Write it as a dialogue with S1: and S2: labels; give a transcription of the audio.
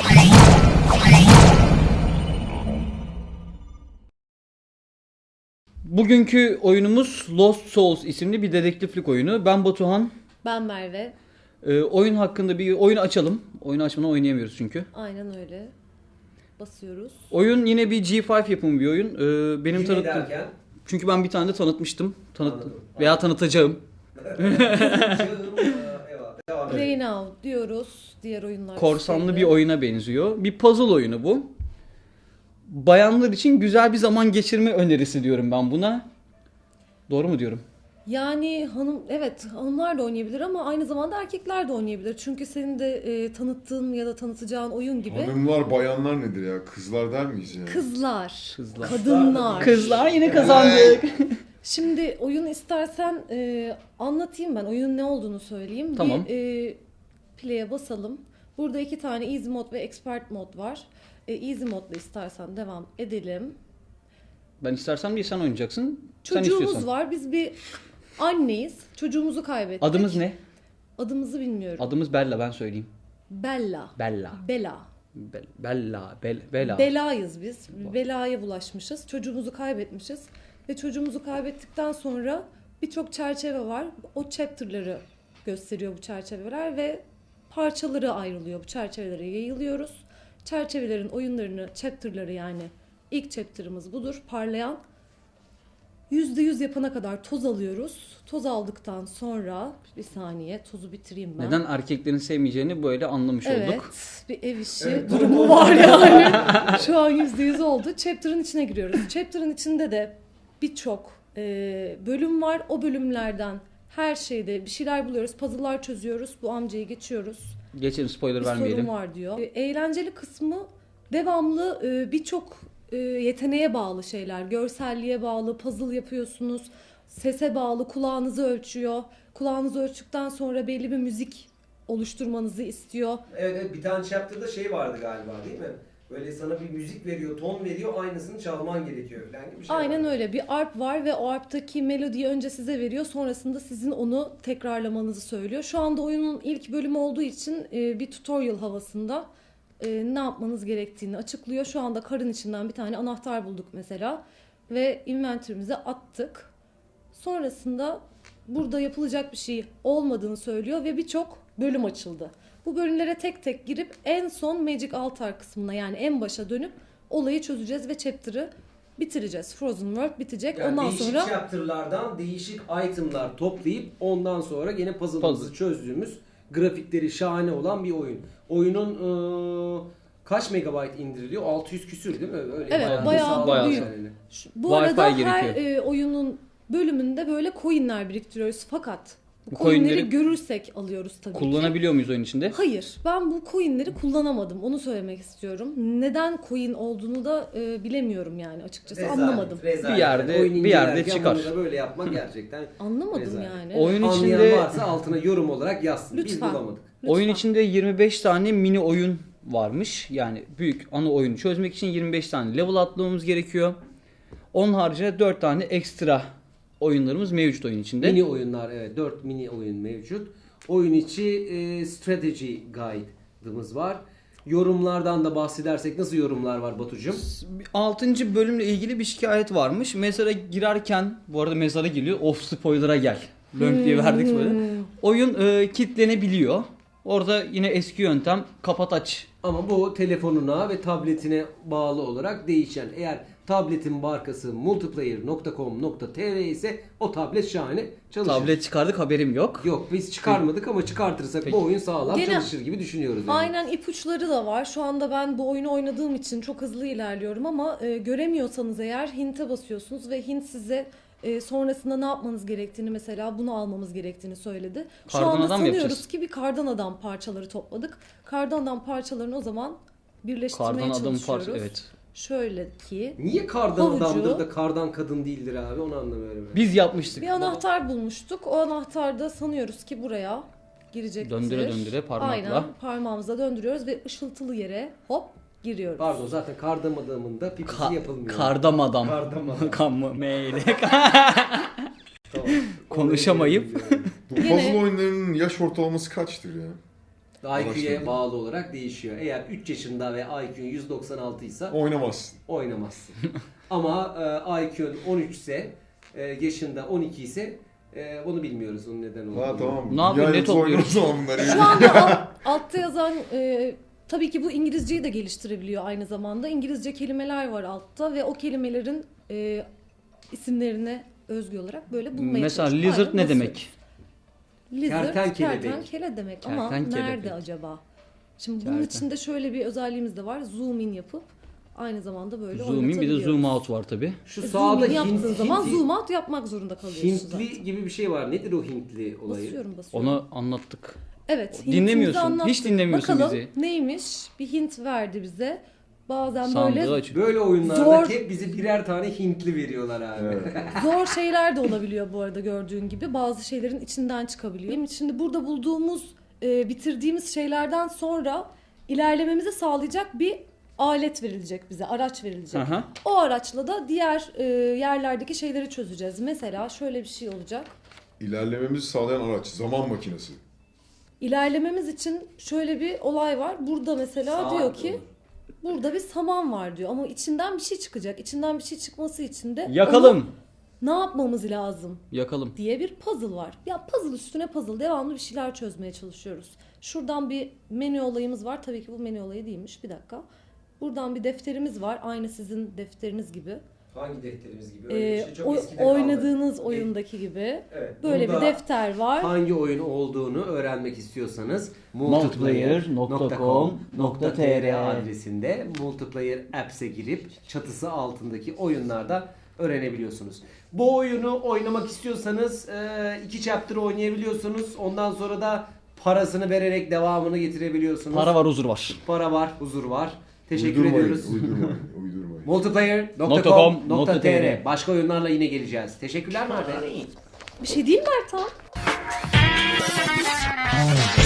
S1: Bugünkü oyunumuz Lost Souls isimli bir dedektiflik oyunu. Ben Batuhan.
S2: Ben Merve.
S1: Oyun hakkında bir oyun açalım. Oyunu açmadan oynayamıyoruz çünkü.
S2: Aynen öyle. Basıyoruz.
S1: Oyun yine bir G5 yapımı bir oyun. Benim
S3: Yine
S1: tanıttığım.
S3: derken?
S1: Çünkü ben bir tane de tanıtmıştım.
S3: Anladım.
S1: Veya tanıtacağım.
S2: Play Now diyoruz. Diğer oyunlar.
S1: Korsanlı
S2: şeyde.
S1: bir oyuna benziyor. Bir puzzle oyunu bu. Bayanlar için güzel bir zaman geçirme önerisi diyorum ben buna. Doğru mu diyorum?
S2: Yani evet hanımlar da oynayabilir ama aynı zamanda erkekler de oynayabilir. Çünkü senin de tanıttığın ya da tanıtacağın oyun gibi.
S4: Hanımlar, bayanlar nedir ya? Kızlar der miyiz ya?
S2: Kızlar,
S1: Kızlar.
S2: kadınlar.
S1: Kızlar yine kazandık.
S2: Şimdi oyunu istersen anlatayım ben. Oyunun ne olduğunu söyleyeyim.
S1: Tamam.
S2: Bir play'e basalım. Burada 2 tane Easy Mode ve Expert Mode var. Easy Mode'la istersen devam edelim.
S1: Ben istersem değil, sen oynayacaksın. Sen
S2: Çocuğumuz
S1: istiyorsan.
S2: var. Biz bir anneyiz. Çocuğumuzu kaybettik.
S1: Adımız ne?
S2: Adımızı bilmiyorum.
S1: Adımız Bella, ben söyleyeyim.
S2: Bella.
S1: Bella.
S2: Bela.
S1: Bella.
S2: Belayız biz. Belaya bulaşmışız. Çocuğumuzu kaybetmişiz. Ve çocuğumuzu kaybettikten sonra birçok çerçeve var. O chapter'ları gösteriyor bu çerçeveler ve parçaları ayrılıyor. Bu çerçevelere yayılıyoruz. Çerçevelerin oyunlarını, chapter'ları yani ilk chapter'ımız budur. Parlayan. %100 yapana kadar toz alıyoruz. Toz aldıktan sonra bir saniye tozu bitireyim ben.
S1: Neden erkeklerin sevmeyeceğini böyle anlamış
S2: Evet,
S1: olduk.
S2: bir ev işi durumu var yani. Şu an %100 oldu. Chapter'ın içine giriyoruz. Chapter'ın içinde de birçok bölüm var. O bölümlerden her şeyde bir şeyler buluyoruz. Puzzle'lar çözüyoruz. Bu amcayı geçiyoruz.
S1: Geçelim, spoiler
S2: Bir
S1: vermeyelim.
S2: sorun var diyor. Eğlenceli kısmı devamlı birçok yeteneğe bağlı şeyler. Görselliğe bağlı, puzzle yapıyorsunuz. Sese bağlı, kulağınızı ölçüyor. Kulağınızı ölçtükten sonra belli bir müzik oluşturmanızı istiyor.
S3: Evet, bir tane chapter'da şey vardı galiba, değil mi? Böyle sana bir müzik veriyor, ton veriyor, aynısını çalman gerekiyor falan gibi bir şey.
S2: Aynen
S3: vardı.
S2: öyle. Bir arp var ve o arptaki melodiyi önce size veriyor. Sonrasında sizin onu tekrarlamanızı söylüyor. Şu anda oyunun ilk bölümü olduğu için bir tutorial havasında ne yapmanız gerektiğini açıklıyor. Şu anda karın içinden bir tane anahtar bulduk mesela. Ve inventory'mize attık. Sonrasında burada yapılacak bir şey olmadığını söylüyor ve birçok bölüm açıldı. Bu bölümlere tek tek girip en son Magic Altar kısmına yani en başa dönüp olayı çözeceğiz ve chapter'ı bitireceğiz. Frozen World bitecek.
S3: Yani
S2: ondan
S3: değişik
S2: sonra
S3: chapter'lardan değişik item'lar toplayıp ondan sonra gene puzzle'ımızı çözdüğümüz, grafikleri şahane olan bir oyun. Oyunun kaç megabayt indiriliyor? 600 küsür değil mi? Öyle
S2: Evet,
S1: bayağı
S2: büyük.
S3: Yani.
S2: Bu
S1: Wi-Fi
S2: arada her
S1: gerekiyor.
S2: oyunun bölümünde böyle coinler biriktiriyoruz fakat bu
S1: Bu
S2: coinleri
S1: coinleri
S2: görürsek alıyoruz tabii ki.
S1: Kullanabiliyor muyuz oyun içinde?
S2: Hayır, ben bu coinleri kullanamadım. Onu söylemek istiyorum. Neden coin olduğunu da bilemiyorum yani açıkçası. Anlamadım.
S1: Bir yerde-
S3: Oyun
S1: bir yerde
S3: incelerken
S1: çıkar.
S3: bunu da böyle yapmak gerçekten
S2: Anlamadım
S3: rezalet.
S2: yani.
S1: Oyun
S3: Anlayan
S1: içinde
S3: varsa altına yorum olarak yazsın. Biz
S2: Lütfen.
S3: bulamadık.
S1: oyun
S2: Lütfen.
S1: içinde 25 tane mini oyun varmış. Yani büyük ana oyunu çözmek için 25 tane level atlamamız gerekiyor. Onun haricinde 4 tane ekstra oyunlarımız mevcut oyun içinde.
S3: Mini oyunlar, evet, 4 mini oyun mevcut. Oyun içi strategy guide'ımız var. Yorumlardan da bahsedersek nasıl yorumlar var Batucuğum?
S1: 6. bölümle ilgili bir şikayet varmış. Mezara girerken, bu arada mezara geliyor. Of, spoiler'a gel. Lönk diye verdik böyle. Oyun kilitlenebiliyor. Orada yine eski yöntem kapat aç.
S3: Ama bu telefonuna ve tabletine bağlı olarak değişen. Eğer tabletin markası multiplayer.com.tr ise o tablet şahane çalışır.
S1: Tablet çıkardık, haberim yok.
S3: Yok, biz çıkarmadık ama çıkartırsak
S1: Peki.
S3: bu oyun sağlam
S2: Gene-
S3: çalışır gibi düşünüyoruz. Yani.
S2: Aynen, ipuçları da var. Şu anda ben bu oyunu oynadığım için çok hızlı ilerliyorum ama göremiyorsanız eğer hint'e basıyorsunuz ve hint size sonrasında ne yapmanız gerektiğini, mesela bunu almamız gerektiğini söyledi. Şu
S1: Kardan
S2: anda
S1: adam mı
S2: sanıyoruz
S1: yapacağız?
S2: ki bir kardan adam parçaları topladık. Kardan adam parçalarını o zaman birleştirmeye
S1: Kardan adamın
S2: çalışıyoruz.
S1: evet.
S2: Şöyle ki
S3: Niye kardan
S2: Havucu-
S3: adamdır da kardan kadın değildir abi, onu anlamıyorum. Yani.
S1: Biz yapmıştık.
S2: bir anahtar bulmuştuk. O anahtarda sanıyoruz ki buraya girecektir.
S1: Döndüre döndüre parmakla.
S2: Aynen, parmağımızla döndürüyoruz ve ışıltılı yere hop giriyoruz.
S3: Pardon, zaten kardan adamın da pipisi yapılmıyor.
S1: Kardam adam.
S3: Kardam adam.
S1: Kan mı? Meyle.
S3: Tamam.
S1: Konuşamayıp.
S4: Bu
S2: Gene-
S4: puzzle oyunlarının yaş ortalaması kaçtır ya?
S3: IQ'ya
S4: Araştırdım.
S3: bağlı olarak değişiyor. Eğer 3 yaşında ve IQ'un 196 ise
S4: Oynamazsın.
S3: oynamazsın. Ama IQ'un 13 ise, yaşında 12 ise onu bilmiyoruz onun neden olduğunu.
S4: Ha tamam.
S1: Ne yapıyor,
S4: Dünya
S1: ne
S4: yıldızı oynar o
S1: topluyoruz?
S4: zaman bunları.
S2: Şu anda altta yazan tabii ki bu İngilizceyi de geliştirebiliyor aynı zamanda. İngilizce kelimeler var altta ve o kelimelerin isimlerine özgü olarak böyle bulmaya
S1: Mesela
S2: çalışıyoruz.
S1: lizard
S2: Aynen
S1: ne
S2: basıyoruz.
S1: demek?
S2: Lizard,
S3: Kertenkele demek.
S2: kertenkele demek ama
S1: Kertenkele
S2: nerede
S1: peki.
S2: acaba? Şimdi bunun içinde şöyle bir özelliğimiz de var. Zoom in yapıp aynı zamanda böyle
S1: Zoom in bir de
S2: oynatabiliyoruz.
S1: zoom out var tabi.
S3: Şu
S2: Zoom
S3: sağda
S2: in yaptığın zaman
S3: Hintli,
S2: zoom out yapmak zorunda kalıyorsun zaten.
S3: Hintli gibi bir şey var. Nedir o Hintli olayı?
S2: Basıyorum.
S1: Onu anlattık.
S2: Evet.
S1: Dinlemiyorsun,
S2: Hintimizi anlattık.
S1: hiç dinlemiyorsun
S2: Bakalım
S1: bizi.
S2: neymiş? Bir hint verdi bize. Bazen
S1: Sandığı
S2: böyle
S1: açıyor.
S3: Böyle oyunlarda
S2: Zor.
S3: hep bize birer tane Hintli veriyorlar abi.
S4: Evet.
S2: zor şeyler de olabiliyor bu arada gördüğün gibi. Bazı şeylerin içinden çıkabiliyor. Şimdi burada bulduğumuz, bitirdiğimiz şeylerden sonra ilerlememizi sağlayacak bir alet verilecek bize, araç verilecek.
S1: Aha.
S2: O araçla da diğer yerlerdeki şeyleri çözeceğiz. Mesela şöyle bir şey olacak.
S4: İlerlememizi sağlayan araç. Zaman makinesi.
S2: İlerlememiz için şöyle bir olay var. Burada mesela
S3: Saat
S2: diyor ki
S3: olur.
S2: burada bir saman var diyor ama içinden bir şey çıkacak. İçinden bir şey çıkması için de
S1: Yakalım.
S2: onu ne yapmamız lazım
S1: Yakalım.
S2: diye bir puzzle var. Ya puzzle üstüne puzzle devamlı bir şeyler çözmeye çalışıyoruz. Şuradan bir menü olayımız var. Tabii ki bu menü olayı değilmiş. Bir dakika. Buradan bir defterimiz var. Aynı sizin defteriniz gibi.
S3: Hangi defterimiz gibi? Öyle bir şey çok eskide
S2: Oynadığınız
S3: kaldı.
S2: oyundaki gibi.
S3: Evet,
S2: Böyle
S3: burada
S2: bir defter var.
S3: hangi oyun olduğunu öğrenmek istiyorsanız
S1: multiplayer.com.tr
S3: adresinde Multiplayer Apps'e girip çatısı altındaki oyunlarda öğrenebiliyorsunuz. Bu oyunu oynamak istiyorsanız 2 chapter oynayabiliyorsunuz. Ondan sonra da parasını vererek devamını getirebiliyorsunuz.
S1: Para var, huzur var.
S3: Para var, huzur var. Teşekkür
S4: Uydurmayın,
S3: ediyoruz.
S4: Uydurmayın.
S3: Multiplayer.com.tr Başka oyunlarla yine geleceğiz. Teşekkürler Merve.
S2: Bir şey değil mi Ertan?